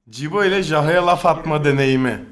Cibo ile Jahre'ye laf atma deneyimi.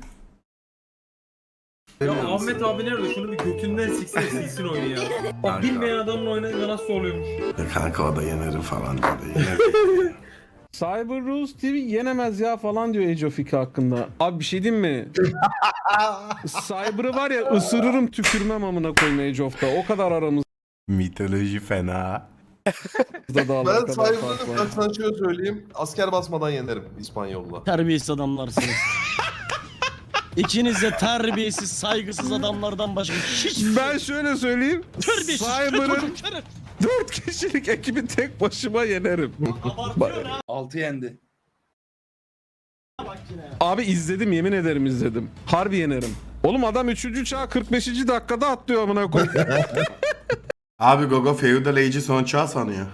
Ya Ahmet abi nerede? Şunu bir götünden silsin oyunu ya. Bak bilmeyen adamın oynayınca nasıl oluyormuş. Ya kanka o da yenerim falan dedi. Yener. Cyber Rules TV yenemez ya falan diyor Age of 2 hakkında. Abi bir şey diyeyim mi? Cyber'ı var ya ısırırım tükürmem amına koyayım Age of'ta. O kadar aramızda Mitoloji fena. da Ben Cyber'ı bak sana şöyle söyleyeyim. Asker basmadan yenerim İspanyol'la. Terbiyesiz adamlarsınız. İkiniz de terbiyesiz, saygısız adamlardan başka hiç... Ben şöyle söyleyeyim. Terbiyesiz, Cyber'ın şeref. 4 kişilik ekibi tek başıma yenerim. Abartıyor ha. 6 yendi. Bak yine. Abi izledim, yemin ederim izledim. Harbi yenerim. Oğlum adam 3. çağ 45. dakikada atlıyor amına koyayım. Abi Gogo Feudal Age'i son çağ sanıyor.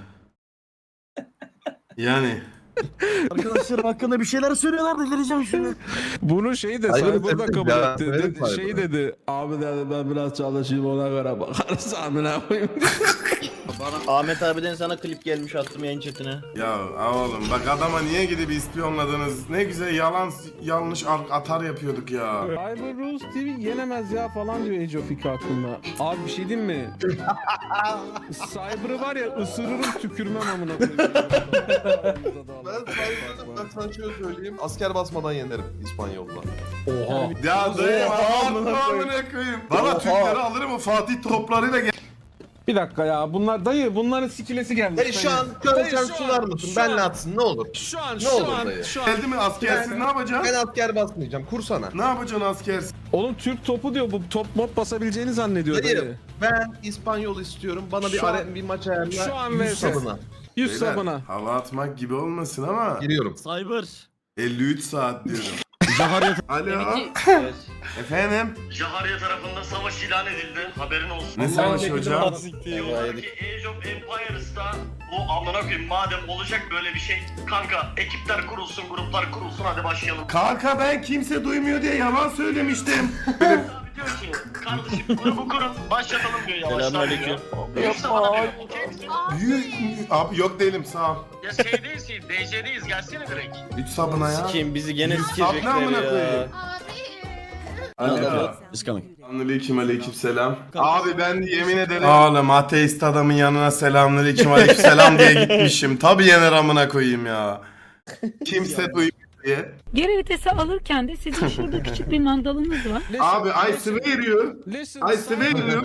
Yani. Arkadaşlarım hakkında bir şeyler söylüyorlar delireceğim şimdi. Bunu şey de Cyber'ı Cyber'da sevdim kabul ya, etti. sevdim Dedi, şey Cyber'ı. dedi. Abi dedi ben biraz çalışayım ona göre bakarız amına koyayım. Ahmet abiden sana klip gelmiş attım yayın chatine. Ya oğlum bak adama niye gidip ispiyonladınız? Ne güzel yalan yanlış atar yapıyorduk ya. Cyber Rules TV yenemez ya falan diyor Age of 2 hakkında. Abi bir şey diyeyim mi? Cyber'ı var ya ısırırım tükürmem amına koyayım. Ben Cyber'ı bak sana şöyle söyleyeyim. Asker basmadan yenerim İspanyol'la. Ya dayı amına koyayım. Valla Türkleri alırım o Fatih toplarıyla gel. Bir dakika ya bunların sikilesi gelmiş. Dayı şu an sen sunar mısın? Benle atsın ne olur. Şu an Ne olur dayı? Geldi mi askersiz ne yapacaksın? Ben asker basmayacağım. Kursana. Ne yapacaksın askersiz? Oğlum Türk topu diyor bu top mod basabileceğini zannediyor Dayı dayı. ben İspanyol istiyorum. Bana Şu an- bir maç ayarla. şu an 100 vs. sabına. 100 Beyler, sabına. hava atmak gibi olmasın ama Giriyorum. Cyber. 53 saat diyorum. Alo. Efendim? Jaharya tarafından savaş ilan edildi. Haberin olsun. Ne savaşı hocam? Diyorlar ki Age of Empires'ta bu amına koyayım madem olacak böyle bir şey. Kanka ekipler kurulsun, gruplar kurulsun hadi başlayalım. Kanka ben kimse duymuyor diye yalan söylemiştim. Abi diyor ki kardeşim grubu kurun başlatalım diyor yavaştan. Selamünaleyküm. Yoksa bana diyor okey. Abi yok değilim sağ ol. Ya şeydeyiz ki DC'deyiz gelsene direkt. 3 sabına ya. Kim bizi gene Sabına sikecekler amına ya. koyayım. Alo. It's coming. Aleyküm selam. Abi ben yemin ederim. Oğlum ateist adamın yanına selamünaleyküm selam diye gitmişim. Tabii yener amına koyayım ya. Kimse duymuyor diye. Geri vitesi alırken de sizin şurada küçük bir mandalınız var. Abi I swear you. Listen, I swear you.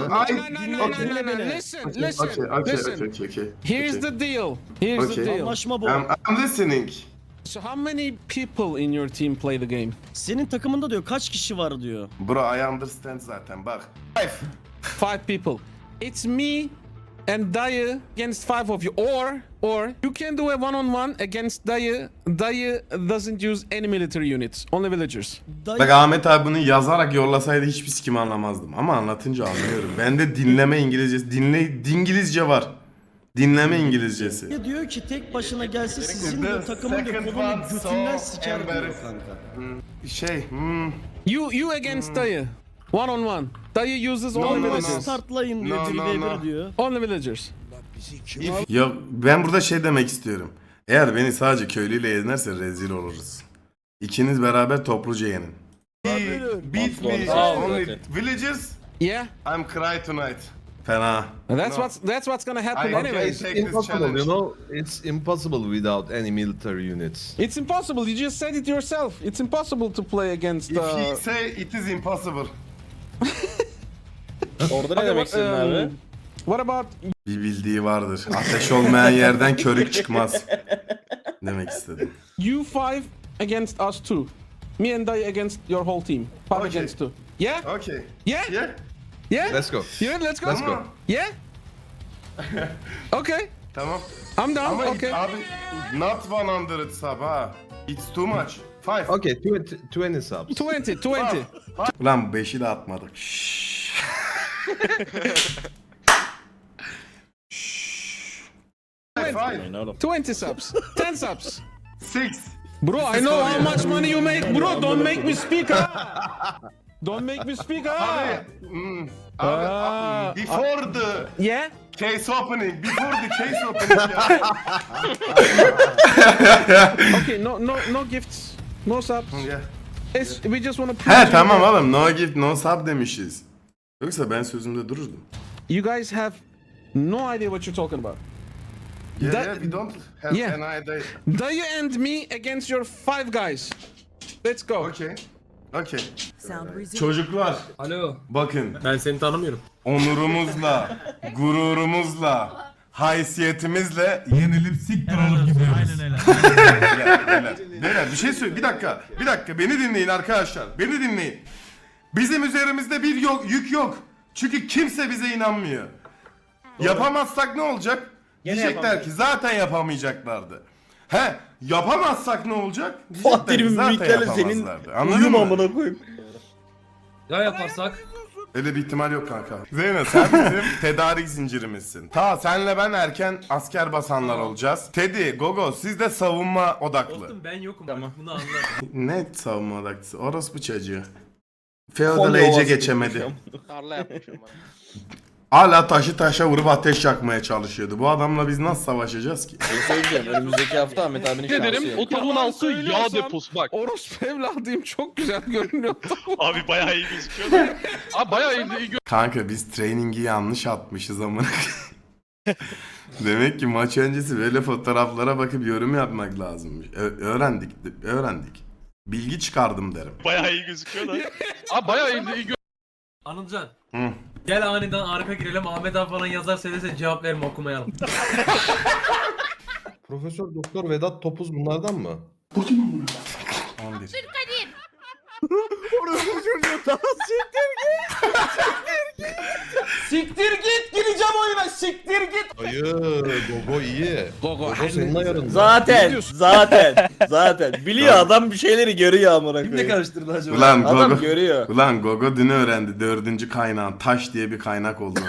Okay. Here's the deal. Here's the Okay. deal. Anlaşma bu. I'm listening. So how many people in your team play the game? Senin takımında diyor kaç kişi var diyor. Bro I understand zaten bak. 5 people. It's me and Dayı against 5 of you. Or you can do a one-on-one against Dayı. Dayı doesn't use any military units. Only villagers. Bak Ahmet abi bunu yazarak yollasaydı hiçbir sikim anlamazdım. Ama anlatınca anlıyorum. Bende dinleme İngilizcesi, dingilizce var. Dinleme İngilizcesi. Ya diyor ki tek başına gelse sizin diyor takımın diyor kolunu götünden siker diyor kanka. Şey, You against Dayı. One-on-one. Dayı uses only no, no. villagers. Startlayın diyor No, 1v1 no. diyor. Only villagers. ya ben burada şey demek istiyorum. Eğer beni sadece köylüyle yenerse rezil oluruz. İkiniz beraber topluca yenin. Beat me only villagers. Yeah. I'm cry tonight. Fena. That's what's gonna happen I- anyways. take this Impossible, challenge. you know. It's impossible without any military units. It's impossible. You just said it yourself. It's impossible to play against. If he say it is impossible. Orada ne demek istedin abi? What about Bir bildiği vardır. Ateş olmayan yerden körük çıkmaz. Demek istedim. you 5 against us 2? Me and Dayı against your whole team. 5 Okay. against 2. Yeah? Okay. Yeah? Yeah. Yeah? Let's go. You ready? Let's go. Let's go. Yeah? Okay. Tamam. I'm down. Ama Okay. abi not 100 sub ha. It's too much. 5. Okay, 20 subs. 20. Ulan 5'i de atmadık. Şşş. Five. 20 subs. 10 subs. 6. Bro, I know how much money you make. Bro, don't make me speak. Don't make me speak. Abi, before the Yeah? case opening. Before the case opening. Okay, no gifts. No subs. Yeah. We just wanna prove He you tamam that oğlum, no gift no sub demişiz. Yoksa ben sözümde dururdum. you guys have no idea what you're talking about. That- we don't have Yeah. an idea. Dayı and me against your 5 guys. Let's go. Okay. Okay. Çocuklar Alo. bakın, Ben seni tanımıyorum. onurumuzla, gururumuzla, haysiyetimizle yenilip siktir olup gidiyoruz. Aynen öyle. Beyler bir şey söyle. Bir dakika. Beni dinleyin arkadaşlar. Beni dinleyin. Bizim üzerimizde bir yük yok. Çünkü kimse bize inanmıyor. Yapamazsak ne olacak? Diyecekler ki zaten yapamayacaklardı. Yapamazsak ne olacak? Diyecekler ki zaten yapamazlardı. Anladın mı? koyayım. Ya yaparsak? Öyle bir ihtimal yok kanka. Zeynep sen bizim tedarik zincirimizsin. Senle ben erken asker basanlar olacağız. Teddy, Gogo siz de savunma odaklı. Dostum ben yokum. Tamam. Bunu anla. Ne savunma odaklısı? Orospu çocuğu. Feodal Age'e geçemedi. Tarla yapmışım bana. Hala taşı taşa vurup ateş yakmaya çalışıyordu. Bu adamla biz nasıl savaşacağız ki? Bir söyleyeceğim. Önümüzdeki hafta Ahmet abinin şansı yok. Otomun altı yağ deposu bak. Orospu evladıyım çok güzel görünüyor. Abi bayağı iyi gözüküyor. Abi bayağı iyi Kanka biz training'i yanlış atmışız amına. Demek ki maç öncesi böyle fotoğraflara bakıp yorum yapmak lazımmış. Öğrendik. Bilgi çıkardım derim. Bayağı iyi gözüküyor da. Abi bayağı iyi Anılcan. Hı. Gel aniden Arif'e girelim. Ahmet abi falan yazar söylese cevap verme okumayalım. Profesör Doktor Vedat Topuz bunlardan mı? 11. Siktir git gireceğim oyuna siktir git. Hayır, Gogo iyi. Gogo, Gogo senin ayarında. Zaten. Biliyor adam bir şeyleri görüyor amına koyayım. Kim ne karıştırdı acaba? Ulan Adam Gogo. görüyor. Ulan Gogo dün öğrendi 4. kaynağın taş diye bir kaynak olduğunu.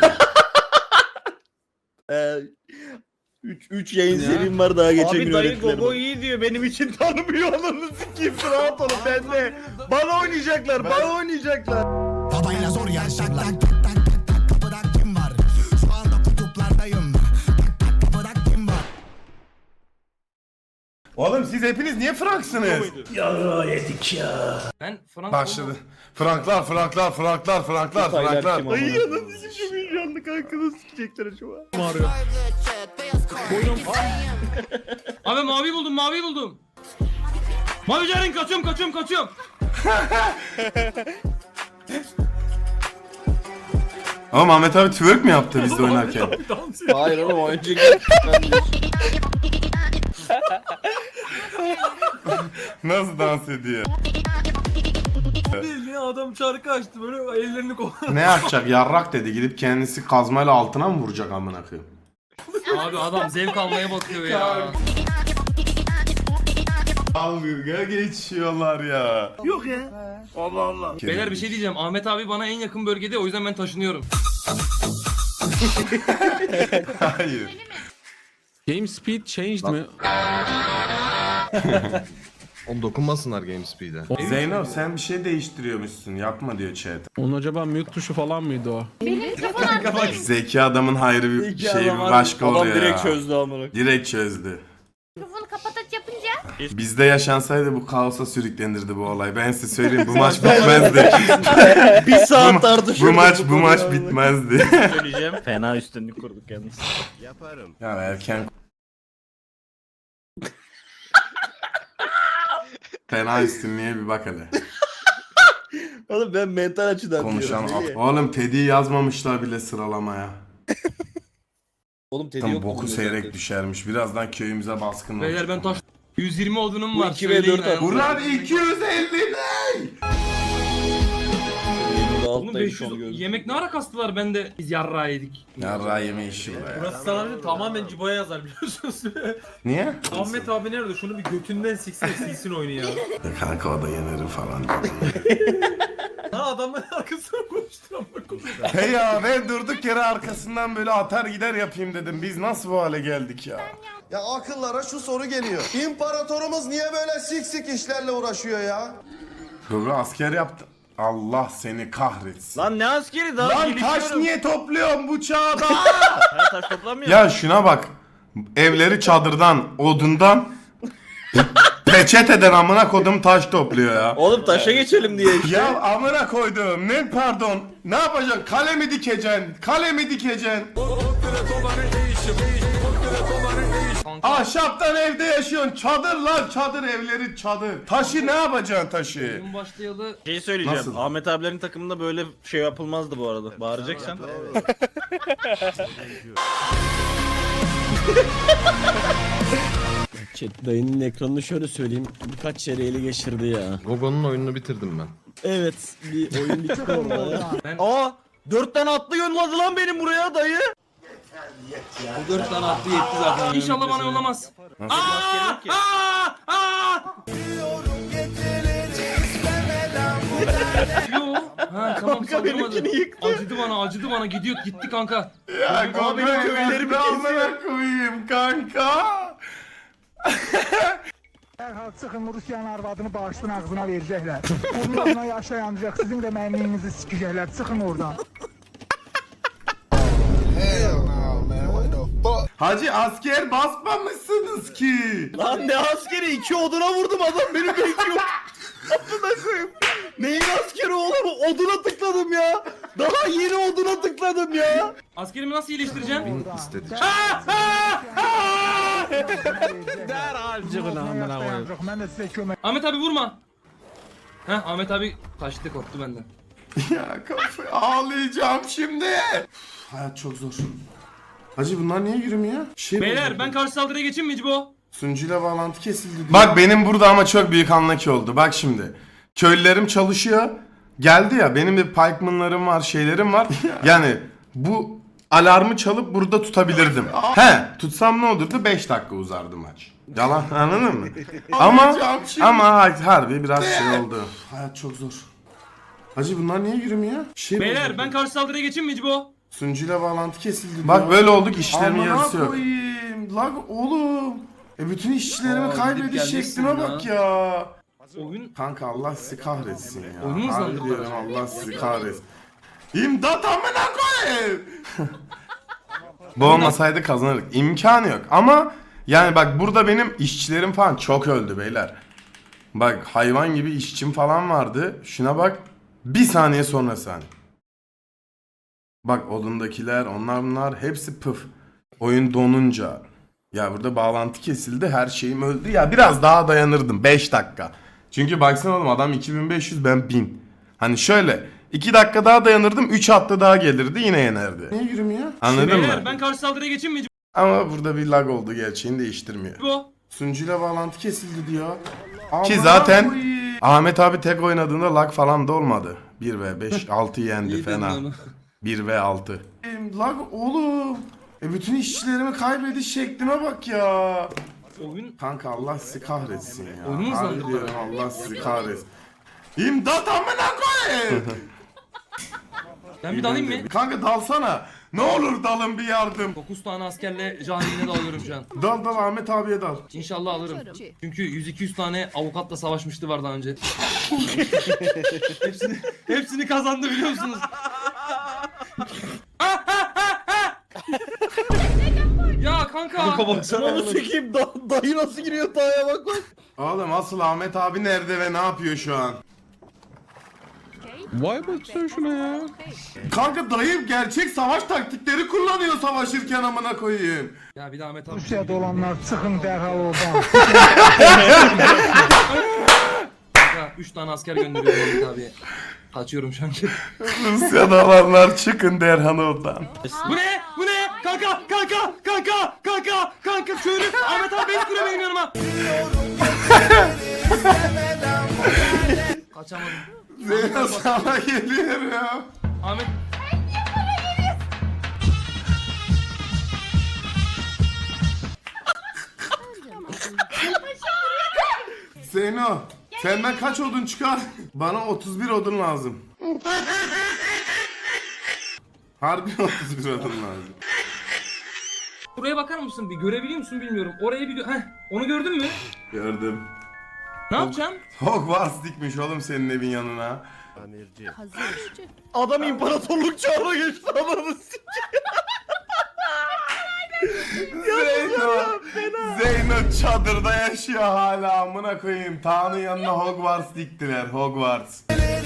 3 yayın serim var daha geçen gün Abi dayı öğrettiler Gogo bana. iyi diyor benim için tanımıyor ananı sikeyim rahat olun ben de. Bana oynayacaklar. Babayla zor yarışacaklar. Tak tak tak tak kapıda kim var? Şu anda kutuplardayım. Tak tak kapıda kim var? Oğlum siz hepiniz niye Franksınız? Ben Frank Başladı. Franklar. Dayı Heyecanlı kanka nasıl sikecekler acaba? Abi mavi buldum. Mavi Ceren kaçıyorum. Ama Ahmet abi twerk mi yaptı bizde oynarken? Hayır oğlum o önceki. Nasıl dans ediyor? Bildiğin adam şarkı açtı böyle ellerini koydu. Ne yapacak? Yarrak dedi. Gidip kendisi kazmayla altına mı vuracak amına koyayım? Abi adam zevk almaya bakıyor ya. Dalga geçiyorlar ya. Yok ya. Beyler bir şey diyeceğim. Ahmet abi bana en yakın bölgede o yüzden ben taşınıyorum. Hayır. Game speed changed mi? Oğlum dokunmasınlar GameSpeed'e. Zeyno sen bir şey değiştiriyormuşsun. Yapma diyor chat. Onun acaba mute tuşu falan mıydı o? Zeki adamın hayrı bir şey bir başka adam oluyor direkt ya. çözdü amına. Direkt çözdü. Mikrofonu kapataç yapınca Bizde yaşansaydı bu kaosa sürüklenirdi bu olay. Ben size söyleyeyim bu maç bitmezdi. Bir saat tartışıyorduk. bu maç bitmezdi. Söyleyeceğim. Fena üstünlük kurduk yalnız. Ya erken fena üstünlüğe bir bak hele. Oğlum ben mental açıdan Konuşan diyorum. oğlum Teddy'yi yazmamışlar bile sıralamaya. Oğlum Teddy Tam yok. boku seyrek düşermiş. Birazdan köyümüze baskın olur. Beyler ben taş... 120 odunum var. Bu 2 ve söyleyin 4 ayağınıza. Ulan 250 ne? Oğlum 500 yemek ne ara kastılar ben de biz yarrağı yedik. Yarrağı yeme işi bu ya. Burası sana tamamen Cibo'ya yazar biliyorsunuz. Niye? Ahmet abi nerede? Şunu bir götünden silsin oyunu ya. Kanka o da yenerim falan. Ha adamların arkasına konuştur ama konuştur. Hey ya ben durduk yere arkasından böyle atar gider yapayım dedim. Biz nasıl bu hale geldik ya? Ya akıllara şu soru geliyor. İmparatorumuz niye böyle sik işlerle uğraşıyor ya? Gogo asker yaptı. Allah seni kahretsin. Lan ne askeri daha Lan taş niye topluyorsun bu çağda? Ben taş toplamıyorum. Ya şuna bak. Evleri çadırdan, odundan reçeteden amına kodum taş topluyor ya. Oğlum taşa geçelim diye işte. Ya amına koydum ne pardon. Ne yapacaksın? Kale mi dikeceksin? Kale mi dikeceksin? Ahşaptan evde yaşıyorsun. Çadır lan çadır evleri çadır. Taşı ne yapacaksın taşı? Oyun başlayalı. Şey söyleyeceğim. Nasıl? Ahmet abilerin takımında böyle şey yapılmazdı bu arada. Bağıracaksan. Chat dayının ekranını şöyle söyleyeyim. Birkaç kere ele geçirdi ya. Gogo'nun oyununu bitirdim ben. Evet bir oyun bitti orada. Aa! 4 tane atlı yolladı lan benim buraya dayı. Bu 4 tane attı yetti zaten. İnşallah bana yollamaz. Aa! Yo. Ha tamam saldırmadı. Acıdı bana gitti kanka. Ya Abi benim köylerimi amına koyayım kanka. Dərhal çıxın Rusiyanın arvadını bağışdan ağzına verəcəklər. Bununla yaşayanacaq, sizin də mənliyinizi sikəcəklər. Çıxın oradan. Hacı asker basmamışsınız ki. Lan ne askeri? 2 oduna vurdum adam beni bekliyor. Amına koyayım. Neyin askeri oğlum? Oduna tıkladım ya. Daha yeni oduna tıkladım ya. Askerimi nasıl iyileştireceğim? İstedik. Derhal cıgın amına koyayım. Mən də sizə kömək Ahmet abi vurma. Heh Ahmet abi kaçtı korktu benden. Ya kafayı ağlayacağım şimdi. Hayat çok zor. Hacı bunlar niye yürümüyor? Beyler ben karşı saldırıya geçeyim mi Cibo? Sunucuyla bağlantı kesildi diyor. Bak benim burada ama çok büyük anlaki oldu. Bak şimdi. Köylülerim çalışıyor. Geldi ya benim de pikemanlarım var şeylerim var. Yani bu alarmı çalıp burada tutabilirdim. He tutsam ne olurdu? 5 dakika uzardı maç. Yalan anladın mı? ama harbi biraz şey oldu. Hayat çok zor. Hacı bunlar niye yürümüyor? Beyler ben karşı saldırıya geçeyim mi Cibo? Sunucuyla bağlantı kesildi diyor. Bak böyle olduk işlerimin yarısı yok. Lag oğlum. Bütün işçilerimi kaybediş şekline bak ya. Oyun Kanka Allah sizi kahretsin ya. Oyunu Harbi hızlandırdı. diyorum Allah sizi kahretsin. İmdat amına koyayım. Bu olmasaydı kazanırdık. İmkanı yok ama yani bak burada benim işçilerim falan çok öldü beyler. Bak hayvan gibi işçim falan vardı. Şuna bak. Bir saniye sonrası hani. Bak odundakiler onlar bunlar hepsi pıf. Oyun donunca. Ya burada bağlantı kesildi her şeyim öldü. Ya biraz daha dayanırdım 5 dakika. Çünkü baksana oğlum adam 2500 ben 1000. Hani şöyle 2 dakika daha dayanırdım 3 hatta daha gelirdi yine yenerdi. Niye yürümüyor? Anladın Beyler mı? ben karşı saldırıya geçeyim mi Ama burada bir lag oldu gerçeğini değiştirmiyor. Cibo? Sunucuyla bağlantı kesildi diyor. Ki zaten Ahmet abi tek oynadığında lag falan da olmadı. 1v5 6 yendi fena. 1v6. Lag oğlum. Bütün işçilerimi kaybediş şekline bak ya. Oyun Kanka Allah sizi kahretsin ya. Oyunu hızlandırdı. Harbi diyorum Allah sizi kahretsin. İmdat amına koyayım. ben bir dalayım mı? Kanka dalsana. Ne olur dalın bir yardım. 9 tane askerle Cahil'ine dalıyorum şu an. Dal Ahmet abiye dal. İnşallah alırım. Çünkü 100-200 tane avukatla savaşmıştı var daha önce. hepsini kazandı biliyor musunuz? Ya kanka. Onu çekeyim dayı nasıl giriyor daya bak bak. Oğlum asıl Ahmet abi nerede ve ne yapıyor şu an? Vay baksana şuna ya. Kanka dayım gerçek savaş taktikleri kullanıyor savaşırken amına koyayım. Ya bir de Ahmet abi. Rusiyada olanlar çıxın dərhal oradan. Kanka 3 tane asker gönderiyorum Ahmet abiye. Kaçıyorum şu an. Rusya'da olanlar çıkın derhan oradan. Bu ne? Bu ne? Kanka! Köylü! Ahmet abi beni süre benim yanıma! Kaçamadım. Zeyno sana geliyor ya. Ahmet... Zeyno senden kaç odun çıkar? Bana 31 odun lazım. Harbi 31 odun lazım. Buraya bakar mısın? Bir görebiliyor musun bilmiyorum. Orayı bir... Heh, onu gördün mü? Gördüm. Ne yapacaksın? Hogwarts dikmiş oğlum senin evin yanına. Adam imparatorluk çağına geçti ananı Zeyno çadırda yaşıyor hala amına koyayım. Tanrı yanına Hogwarts diktiler. Hogwarts.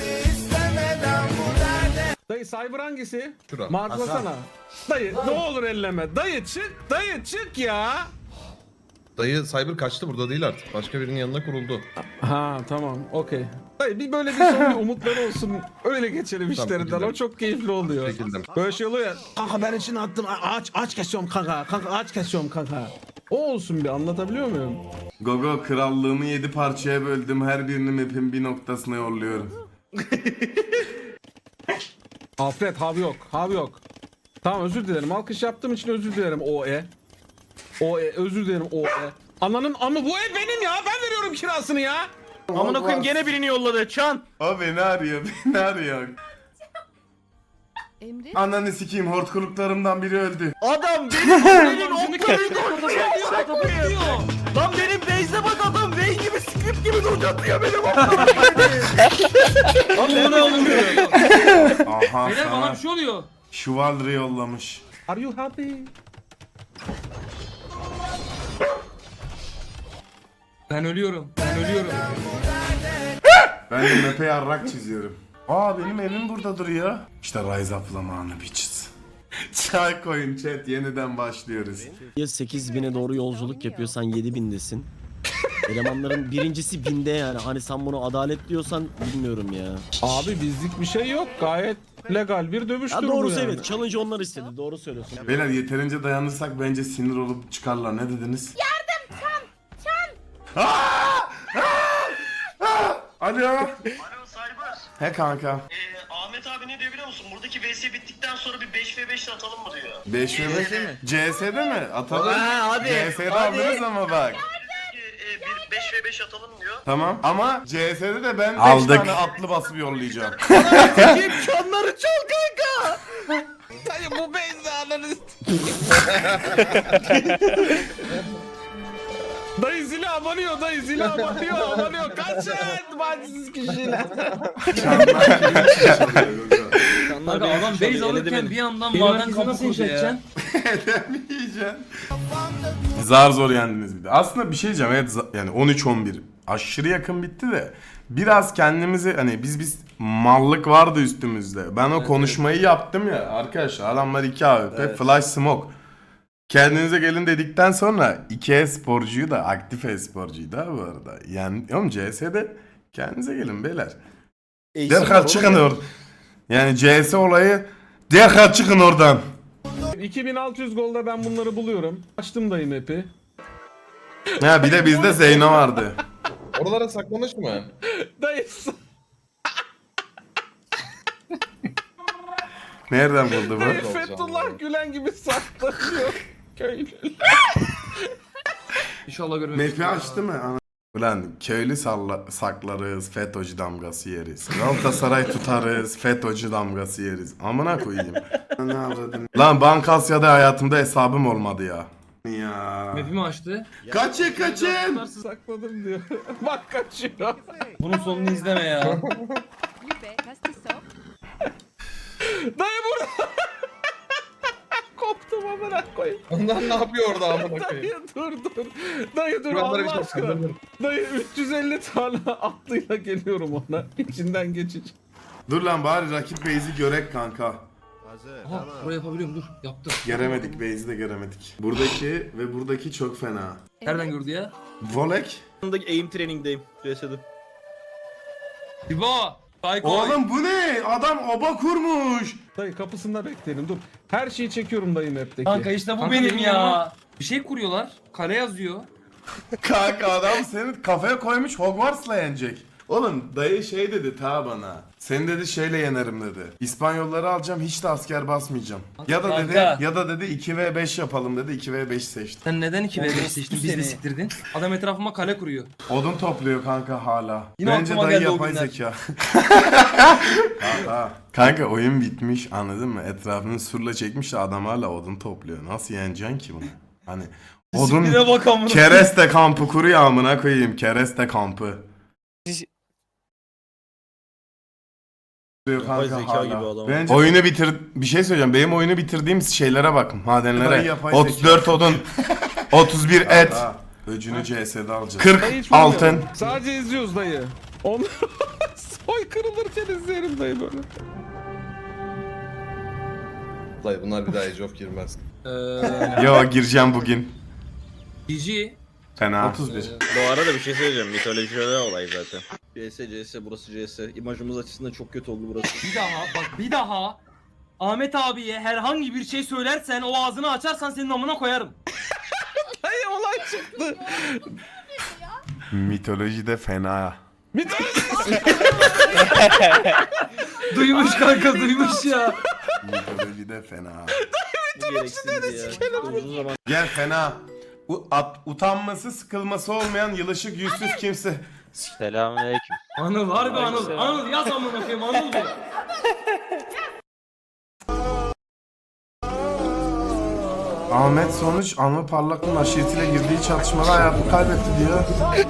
Dayı Cyber hangisi? Şura. Marklasana. Dayı ne olur elleme. Dayı çık. Dayı çık ya. Dayı Cyber kaçtı, burada değil artık. Başka birinin yanına kuruldu. Ha tamam okey. Dayı bir böyle bir son bir umutları olsun. Öyle geçelim işlerinden. gidelim. O çok keyifli oluyor. Çekildim. Böyle şey oluyor ya. Kanka ben için attım. Aç kesiyorum kanka. Kanka aç kesiyorum kanka. O olsun bir anlatabiliyor muyum? Gogo krallığımı 7 parçaya böldüm. Her birini map'in bir noktasına yolluyorum. Alfred hav yok. Hav yok. Tamam özür dilerim. Alkış yaptığım için özür dilerim OE. OE özür dilerim OE. Ananın amı bu ev benim ya. Ben veriyorum kirasını ya. Amına koyayım gene birini yolladı. Çan. O beni arıyor. Beni arıyor. Emre. Ananı sikeyim hortkuluklarımdan biri öldü. Adam benim benim oklarıyla oynuyor. Lan benim base'e bak adam. Vayne gibi script gibi duracatıyor benim oklarımı. Lan bu ne oluyor? Aha Beyler bana sana bir şey oluyor. Şuvaldırı yollamış. Are you happy? Ben ölüyorum. Ben ölüyorum. Ben de map'e yarrak çiziyorum. Aa benim evim burada duruyor. İşte Rise Up zamanı bitches. Çay koyun chat yeniden başlıyoruz. Ya 8000'e doğru yolculuk yapıyorsan 7000'desin. Elemanların birincisi 1000'de yani. Hani sen bunu adalet diyorsan bilmiyorum ya. Abi bizlik bir şey yok. Gayet legal bir dövüştür Ya bu doğrusu yani. evet. Challenge onlar istedi. Doğru söylüyorsun. Beyler yeterince dayanırsak bence sinir olup çıkarlar. Ne dediniz? Alo. Alo Cyber. He kanka. Ahmet abi ne diyor biliyor musun? Buradaki VS bittikten sonra bir 5v5 atalım mı diyor. 5 ve 5 CS'de mi? Atalım. Ha, hadi. CS'de alırız ama bak. Bir 5v5 atalım diyor. Tamam ama CS'de de ben 5 tane atlı basıp yollayacağım. Kim çanları çal kanka. Dayı bu benzi ananız. Dayı zili abanıyor, dayı zili abanıyor. Kaçın bacısız kişiler. Kanka adam base alırken bir yandan maden kapı kurdu ya. Yiyeceksin. Zar zor yendiniz bir de. Aslında bir şey diyeceğim. Evet yani 13-11 aşırı yakın bitti de biraz kendimizi hani biz mallık vardı üstümüzde. Ben o konuşmayı yaptım ya arkadaşlar. Adamlar 2 AWP, Flash Smoke. Kendinize gelin dedikten sonra 2 e-sporcuyu da aktif e-sporcuyu da bu arada. Yani oğlum CS'de kendinize gelin beyler. Derhal çıkın oradan. Yani CS olayı derhal çıkın oradan. 2600 golda ben bunları buluyorum. Açtım dayı map'i. Ha bir de bizde Zeyno vardı. Oralara saklamış mı? Dayı Nereden buldu dayı bu? Fethullah Gülen gibi saklanıyor. Köylü. İnşallah görmemiş. Map'i açtı mı? Ulan köylü saklarız, FETÖ'cü damgası yeriz. Galatasaray tutarız, FETÖ'cü damgası yeriz. Amına koyayım. Ne avradın? Lan Bankasya'da hayatımda hesabım olmadı ya. Ya. Map'imi açtı. Kaçın. Sakladım diyor. Bak kaçıyor. Bunun sonunu izleme ya. Dayı burada. Koptum amına koyayım. Onlar ne yapıyor orada amına koyayım? Dayı dur. Dayı dur Kurallara bir Allah şey aşkına. yapsın. Dayı 350 tane atlıyla geliyorum ona. İçinden geçici. Dur lan bari rakip base'i görek kanka. Aha burayı yapabiliyorum dur. Yaptım. Göremedik base'i de göremedik. Buradaki ve buradaki çok fena. Nereden gördü ya? Volek. Yanındaki aim training'deyim. Cesedim. Bibo. Psycho. Oğlum bu ne? Adam oba kurmuş. Dayı kapısında bekleyelim dur. Her şeyi çekiyorum dayı map'teki. Kanka işte bu benim ya. Bir şey kuruyorlar. Kale yazıyor. Kanka adam seni kafaya koymuş Hogwarts'la yenecek. Oğlum dayı şey dedi ta bana. Seni dedi şeyle yenerim dedi. İspanyolları alacağım hiç de asker basmayacağım. Ya da dedi Kanka. ya da dedi 2v5 yapalım dedi 2v5 seçtim. Sen neden 2v5 seçtin? Biz de siktirdin. Adam etrafıma kale kuruyor. Odun topluyor kanka hala. Yine Bence aklıma dayı geldi o yapay günler. zeka. Kanka oyun bitmiş anladın mı? Etrafını surla çekmiş de adam hala odun topluyor. Nasıl yeneceksin ki bunu? Hani odun Disipline bak amına. kereste kampı kuruyor amına koyayım kereste kampı. Oyunu bir şey söyleyeceğim. Benim oyunu bitirdiğim şeylere bak. Madenlere. 34 odun. 31 et. Öcünü CS'de alacağız. 40 Dayı hiç vurmuyor. altın. Sadece izliyoruz dayı. Onu soy kırılırken izleyelim dayı böyle. Dayı bunlar bir daha Age of girmez. Yo gireceğim bugün. GG. Fena. 31. Bu arada bir şey söyleyeceğim. Mitolojide olay zaten. CS burası CS. İmajımız açısından çok kötü oldu burası. Bir daha Ahmet abiye herhangi bir şey söylersen o ağzını açarsan senin amına koyarım. Dayı olay çıktı. Mitolojide fena. Duymuş kanka duymuş ya. Mitolojide fena. Bu gereksizdi ya. Uzun zaman Gel fena. Utanması sıkılması olmayan yılışık yüzsüz kimse. Selamünaleyküm. Anıl harbi Anıl. Anıl yaz amına koyayım Anıl diye. Ahmet sonuç Anlı Parlak'ın aşiretiyle girdiği çatışmada hayatını kaybetti diyor.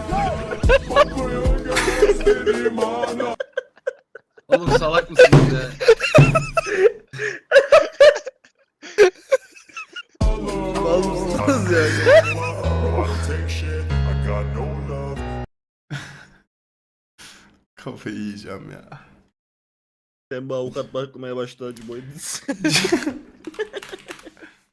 Oğlum salak mısınız ya? mal mısınız yani? Kafayı yiyeceğim ya. Ben bu avukat bakmaya başladı acı boyunca.